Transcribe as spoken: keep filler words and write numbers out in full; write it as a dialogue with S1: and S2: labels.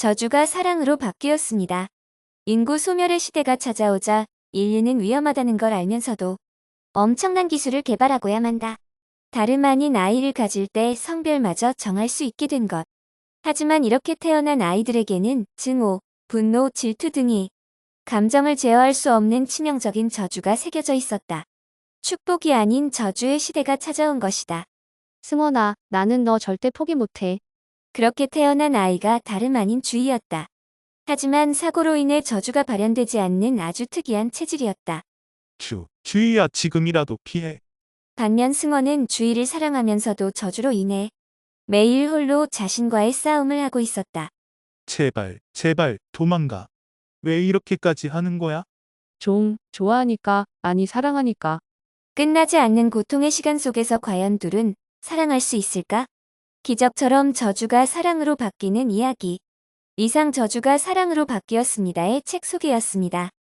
S1: 저주가 사랑으로 바뀌었습니다. 인구 소멸의 시대가 찾아오자 인류는 위험하다는 걸 알면서도 엄청난 기술을 개발하고야 만다. 다름 아닌 아이를 가질 때 성별마저 정할 수 있게 된 것. 하지만 이렇게 태어난 아이들에게는 증오, 분노, 질투 등이 감정을 제어할 수 없는 치명적인 저주가 새겨져 있었다. 축복이 아닌 저주의 시대가 찾아온 것이다.
S2: 승원아, 나는 너 절대 포기 못해.
S1: 그렇게 태어난 아이가 다름 아닌 주희였다. 하지만 사고로 인해 저주가 발현되지 않는 아주 특이한 체질이었다.
S3: 주, 주희야 지금이라도 피해.
S1: 반면 승원은 주희를 사랑하면서도 저주로 인해 매일 홀로 자신과의 싸움을 하고 있었다.
S3: 제발, 제발 도망가. 왜 이렇게까지 하는 거야?
S2: 좀, 좋아하니까, 아니 사랑하니까.
S1: 끝나지 않는 고통의 시간 속에서 과연 둘은 사랑할 수 있을까? 기적처럼 저주가 사랑으로 바뀌는 이야기. 이상 저주가 사랑으로 바뀌었습니다의 책 소개였습니다.